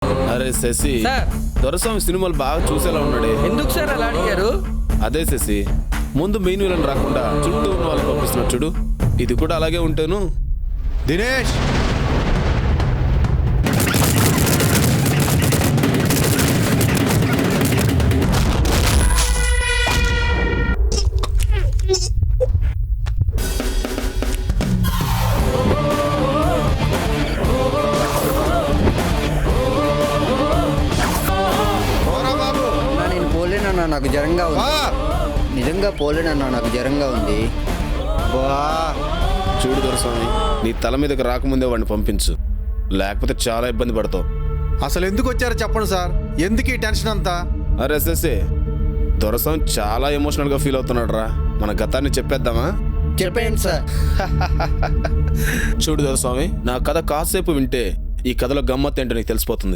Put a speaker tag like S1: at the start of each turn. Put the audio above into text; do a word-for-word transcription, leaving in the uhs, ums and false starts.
S1: అరే శశి,
S2: సార్.
S1: దొరస్వామి సినిమాలు బాగా చూసేలా ఉన్నాడే.
S2: ఎందుకు సార్ అలా అడిగారు?
S1: అదే శశి, ముందు మెయిన్ విలన్ రాకుండా చుట్టూ ఉన్న వాళ్ళు పంపిస్తున్నారు చూడు, ఇది కూడా అలాగే ఉంటాను.
S3: దినేష్,
S4: అన్నా, నేను పోలేనన్నా, నాకు జ్వరంగా ఉంది. నిజంగా పోలేనన్నా, నాకు జ్వరంగా ఉంది.
S1: చూడు దొరస్వామి, నీ తల మీదకి రాకముందే వాడిని పంపించు, లేకపోతే చాలా ఇబ్బంది పడతావు.
S3: అసలు ఎందుకు వచ్చారో చెప్పండి సార్, ఎందుకు ఈ టెన్షన్ అంతా?
S1: అరే శశి, దొరస్వామి చాలా ఎమోషనల్ గా ఫీల్ అవుతున్నాడు రా. మన గతాన్ని చెప్పేద్దామా?
S4: చెప్పండి సార్.
S1: చూడు దొరస్వామి, నా కథ కాసేపు వింటే ఈ కథలో గమ్మత్ ఏంటో నీకు తెలిసిపోతుంది.